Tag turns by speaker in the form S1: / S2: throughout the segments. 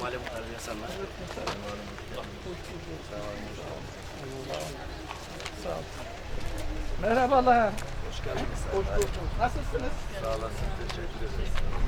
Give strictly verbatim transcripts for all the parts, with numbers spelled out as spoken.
S1: Cumali muhtarı insanlar.
S2: Sağ ol. Merhabalar.
S1: Hoş geldiniz.
S2: Hoş bulduk. Nasılsınız?
S1: Sağ olasın. Teşekkür ederiz.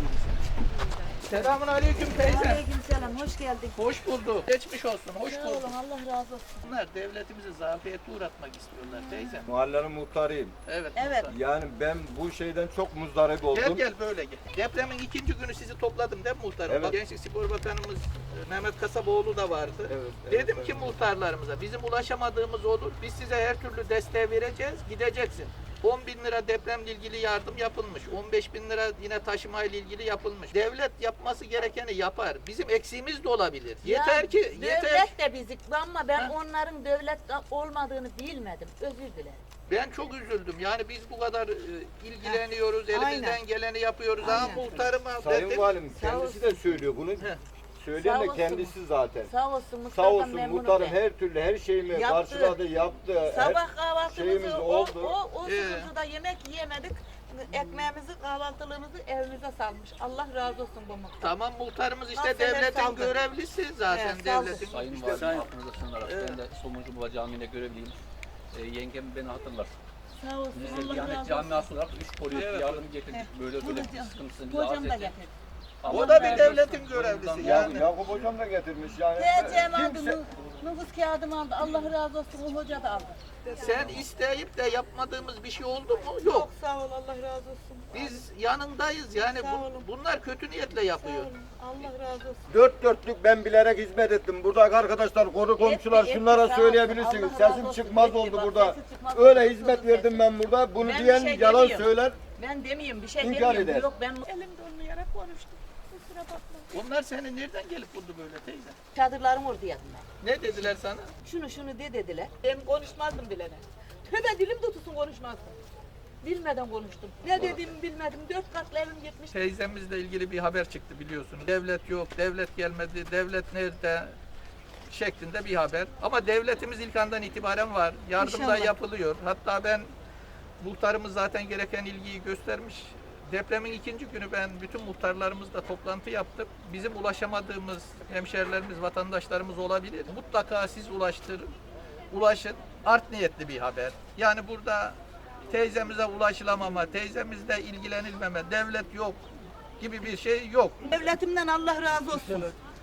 S2: Selamun aleyküm teyze.
S3: Aleykümselam, hoş geldin.
S2: Hoş bulduk. Geçmiş olsun. Hoş
S3: Sağ
S2: bulduk.
S3: olun, Allah razı olsun.
S2: Bunlar devletimizi zafiyete uğratmak istiyorlar teyze.
S4: Mahallenin muhtarıyım.
S2: Evet.
S3: Evet.
S2: muhtar.
S4: Yani ben bu şeyden çok muzdarip
S2: Gel
S4: oldum.
S2: gel böyle gel. Depremin ikinci günü sizi topladım değil mi muhtarım?
S4: Evet.
S2: Bak, Gençlik Spor Bakanımız e, Mehmet Kasaboğlu da vardı.
S4: Evet, evet,
S2: Dedim
S4: evet.
S2: ki muhtarlarımıza bizim ulaşamadığımız olur. Biz size her türlü desteği vereceğiz. Gideceksin. on bin lira depremle ilgili yardım yapılmış. on beş bin lira yine taşımayla ilgili yapılmış. Devlet yapması gerekeni yapar. Bizim eksiğimiz de olabilir. Yeter
S3: Ya,
S2: ki yeter.
S3: devlet de bizik ama ben
S2: Ha?
S3: onların devlet olmadığını bilmedim. Özür dilerim.
S2: Ben çok üzüldüm. Yani biz bu kadar e, ilgileniyoruz, elimizden
S3: Aynen.
S2: geleni yapıyoruz. Ama
S3: Aynen.
S2: muhtarıma
S4: Sayın
S2: dedim,
S4: Valim
S3: Sağ
S4: kendisi
S3: olsun.
S4: de söylüyor bunu.
S2: Heh.
S4: Söyleyen
S3: Sağ
S4: de
S3: olsun.
S4: kendisi zaten.
S3: Sağ olsun
S4: Sağ
S3: muhtardan
S4: olsun
S3: memnunum
S4: muhtarım
S3: ben.
S4: her türlü her şeyimi
S3: Yaptı.
S4: karşıladı, yaptı.
S3: Sabah
S4: her şeyimiz
S3: kahvaltımızı o,
S4: oldu.
S3: o, o
S2: Ee.
S3: sıkıntıda yemek yiyemedik. Ekmeğimizi, kahvaltılığımızı evimize salmış. Allah razı olsun bu muhtar.
S2: tamam muhtarımız işte
S3: Aferin,
S2: devletin
S3: saldı.
S2: görevlisi zaten
S3: Evet, saldı.
S2: devletin.
S5: Sayın
S2: işte-
S5: Valim, aklınıza sığınarak
S2: Evet.
S5: ben de Somuncu Baba Camii'nde görevliyim. E, yengem beni hatırlar.
S3: Sağ olsun.
S5: Biz de
S3: Allah
S5: Diyanet
S3: razı olsun.
S5: Camiası olarak üç kolye
S2: Evet.
S5: yardım getirdik.
S3: Heh.
S5: Böyle
S3: Bu
S5: böyle
S3: da-
S5: bir sıkıntısını bize
S3: Kocam
S5: arz
S3: da
S5: etti.
S3: getirdi.
S5: Allah
S2: O da bir
S5: razı
S2: devletin
S5: olsun.
S2: görevlisi
S5: Ondan
S2: yani.
S4: Ya, Yakup hocam da getirmiş yani.
S3: Teyzem aldı,
S4: Kimse,
S3: nü- nüfus kağıdımı aldı. Allah razı olsun, o hoca da aldı.
S2: Sen isteyip de yapmadığımız bir şey oldu mu?
S3: Çok
S2: Yok.
S3: sağ ol, Allah razı olsun.
S2: Biz yanındayız yani
S3: Sağ
S2: bu-
S3: olun.
S2: bunlar kötü niyetle
S3: Sağ
S2: yapıyor.
S3: olun, Allah razı olsun.
S4: dört dörtlük ben bilerek hizmet ettim. Buradaki arkadaşlar, konu komşular
S3: Etti,
S4: şunlara
S3: etti, sağ
S4: söyleyebilirsiniz.
S3: olsun. Allah
S4: Sesim
S3: razı olsun.
S4: çıkmaz
S3: Etti,
S4: oldu
S3: bak,
S4: burada.
S3: sesi çıkmaz
S4: Öyle
S3: oldu.
S4: hizmet
S3: Sesi
S4: verdim ben burada. Bunu
S3: Ben bir
S4: diyen
S3: şey
S4: yalan
S3: demiyorum.
S4: söyler.
S3: Ben demeyeyim, bir şey
S4: İnkar
S3: demiyorum.
S4: eder.
S3: Yok ben elimde olmayarak konuştum. Kusura bakma.
S2: Onlar seni nereden gelip buldu böyle teyze?
S3: Çadırlarım orada yanımda.
S2: Ne dediler sana?
S3: Şunu şunu de dediler. Ben konuşmazdım bilene. Tövbe dilim tutulsun konuşmazdım. Bilmeden konuştum. Ne dediğimi bilmedim. Dört katlı evim gitmiş.
S2: Teyzemizle ilgili bir haber çıktı biliyorsunuz. Devlet yok, devlet gelmedi, devlet nerede şeklinde bir haber. Ama devletimiz ilk andan itibaren var. Yardım da
S3: İnşallah.
S2: yapılıyor. Hatta ben muhtarımız zaten gereken ilgiyi göstermiş. Depremin ikinci günü ben bütün muhtarlarımızla toplantı yaptım. Bizim ulaşamadığımız hemşerilerimiz, vatandaşlarımız olabilir. Mutlaka siz ulaştırın, ulaşın. Art niyetli bir haber. Yani burada teyzemize ulaşılamama, teyzemizle ilgilenilmeme, devlet yok gibi bir şey yok.
S3: Devletimden Allah razı olsun.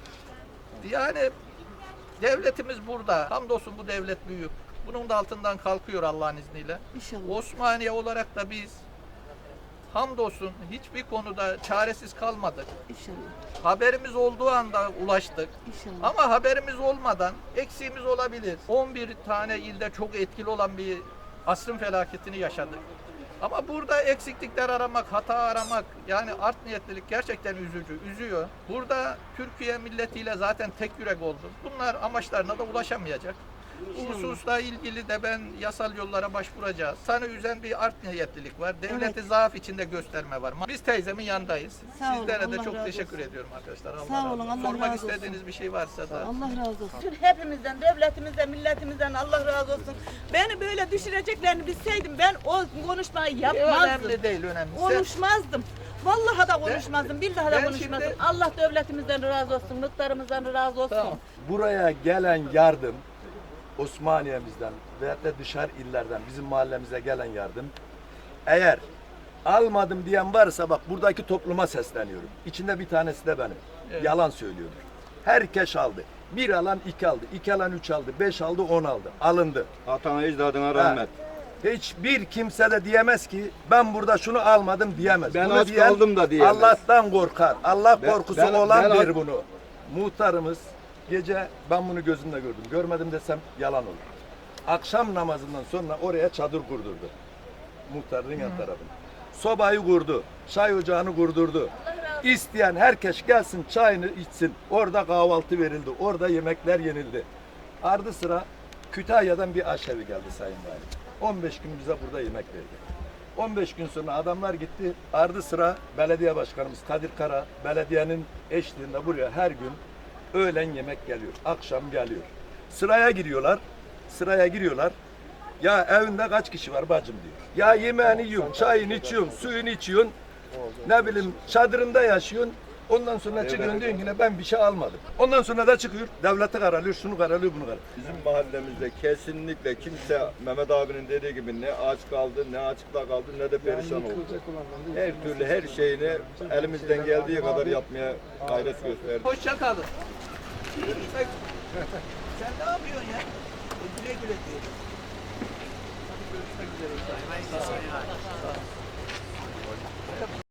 S2: Yani devletimiz burada. Hamdolsun bu devlet büyük. Bunun da altından kalkıyor Allah'ın izniyle.
S3: İnşallah.
S2: Osmaniye olarak da biz hamdolsun hiçbir konuda çaresiz kalmadık.
S3: İnşallah.
S2: Haberimiz olduğu anda ulaştık.
S3: İnşallah.
S2: Ama haberimiz olmadan eksiğimiz olabilir. on bir tane ilde çok etkili olan bir asrın felaketini yaşadık. Ama burada eksiklikler aramak, hata aramak, yani art niyetlilik gerçekten üzücü, üzüyor. Burada Türkiye milletiyle zaten tek yürek oldu. Bunlar amaçlarına da ulaşamayacak. Bu hususla ilgili de ben yasal yollara başvuracağız. Sana üzen bir art niyetlilik var. Devleti zaaf içinde gösterme var. Biz teyzemin yanındayız.
S3: Sağ olun,
S2: Sizlere de
S3: Allah
S2: çok
S3: razı
S2: teşekkür
S3: olsun.
S2: ediyorum arkadaşlar. Allah
S3: Sağ
S2: razı
S3: olun,
S2: olsun.
S3: Allah
S2: Sormak
S3: razı olsun.
S2: istediğiniz bir şey varsa da.
S3: Allah razı olsun. Hepimizden, devletimizden, milletimizden Allah razı olsun. Beni böyle düşüreceklerini bilseydim ben o konuşmayı yapmazdım.
S2: Önemli değil, önemli. Sen-
S3: Konuşmazdım. Vallahi da konuşmazdım. Billahi
S2: ben
S3: da konuşmazdım.
S2: şimdi-
S3: Allah devletimizden razı olsun. Muhtarımızdan razı olsun.
S2: Tamam.
S6: Buraya gelen yardım Osmaniye'mizden veyahut da dışarı illerden bizim mahallemize gelen yardım eğer almadım diyen varsa bak buradaki topluma sesleniyorum. İçinde bir tanesi de benim.
S2: Evet.
S6: Yalan söylüyordur. Herkes aldı. Bir alan iki aldı. iki alan üç aldı. Beş aldı on aldı. Alındı.
S4: Atana icdadına rahmet.
S6: Hiçbir kimse de diyemez ki ben burada şunu almadım diyemez.
S4: Ben
S6: Bunu
S4: aç
S6: diyen
S4: kaldım da diyemez.
S6: Allah'tan korkar. Allah
S4: Ben-
S6: korkusu
S4: ben-
S6: olan
S4: ben-
S6: bir bunu. Muhtarımız gece ben bunu gözümle gördüm. Görmedim desem yalan olur. Akşam namazından sonra oraya çadır kurdurdu. Muhtarın yan tarafına. Sobayı kurdu. Çay ocağını kurdurdu. İsteyen herkes gelsin çayını içsin. Orada kahvaltı verildi. Orada yemekler yenildi. Ardı sıra Kütahya'dan bir aşevi geldi Sayın Valim. on beş gün bize burada yemek verdi. on beş gün sonra adamlar gitti. Ardı sıra belediye başkanımız Kadir Kara belediyenin eşliğinde buraya her gün öğlen yemek geliyor. Akşam geliyor. Sıraya giriyorlar. Sıraya giriyorlar. Ya evinde kaç kişi var bacım diyor. Ya yemeğini yiyorsun, çayını içiyorsun, suyunu içiyorsun. Ne bileyim çadırında yaşıyorsun. Ondan sonra çıkıyorsun diyorsun yine ben bir şey almadım. Ondan sonra da çıkıyor devleti karalıyor, şunu karalıyor, bunu karalıyor.
S4: Bizim mahallemizde kesinlikle kimse Mehmet abinin dediği gibi ne aç kaldı, ne açıkta kaldı, ne de perişan oldu. Her türlü her şeyini elimizden geldiği kadar yapmaya gayret gösterdik.
S2: Hoşça kalın. Görüşmek. Sen ne yapıyorsun ya? E, güle güle diyelim. Hadi görüşmek üzere. Sağ ol.